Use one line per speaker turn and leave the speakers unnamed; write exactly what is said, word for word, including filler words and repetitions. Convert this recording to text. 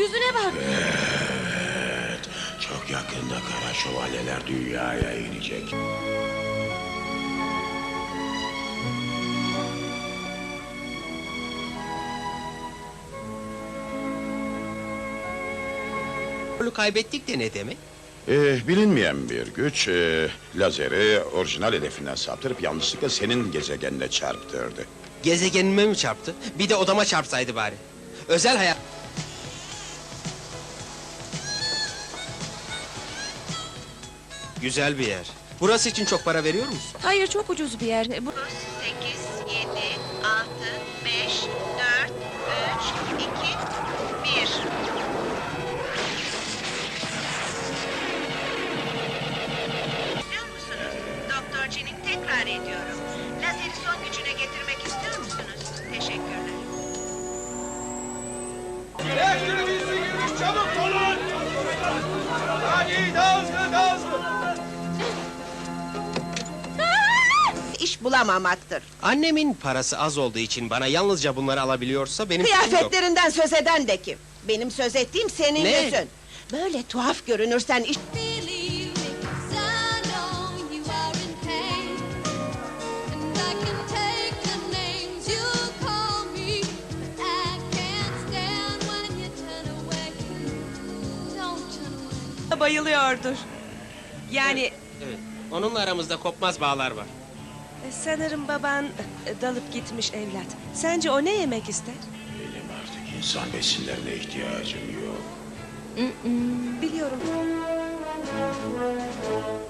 yüzüne bak.
Evet, çok yakında kara şövalyeler dünyaya inecek.
Kontrolü kaybettik de ne demek?
Ee, bilinmeyen bir güç, e, lazeri orijinal hedefinden saptırıp yanlışlıkla senin gezegenine çarptırdı.
Gezegenime mi çarptı? Bir de odama çarpsaydı bari. Özel hayat... Güzel bir yer. Burası için çok para veriyor musun?
Hayır, çok ucuz bir yer. Bu...
sekiz, yedi, altı, beş, dört, üç, iki, bir. İstiyor musunuz? Doktor Jin'in tekrar ediyorum. Lazeri son gücüne getirmek istiyor musunuz? Teşekkürler.
Elektriğimizi girmiş, çabuk olun! Hadi daha hızlı, daha hızlı!
İş bulamamaktır.
Annemin parası az olduğu için bana yalnızca bunları alabiliyorsa benim suçum yok.
Kıyafetlerinden söz eden de kim? Benim söz ettiğim senin
Ne?
yüzün. Böyle tuhaf görünürsen iş...
Believe me, 'cause I know you are in pain, and I can take the names you call me, but I can't stand when you turn away. Don't turn away.
Bayılıyordur. Yani
Evet, onunla aramızda kopmaz bağlar var.
e, sanırım baban e, dalıp gitmiş evlat. Sence o ne yemek ister?
Benim artık insan besinlerine ihtiyacım yok.
Biliyorum.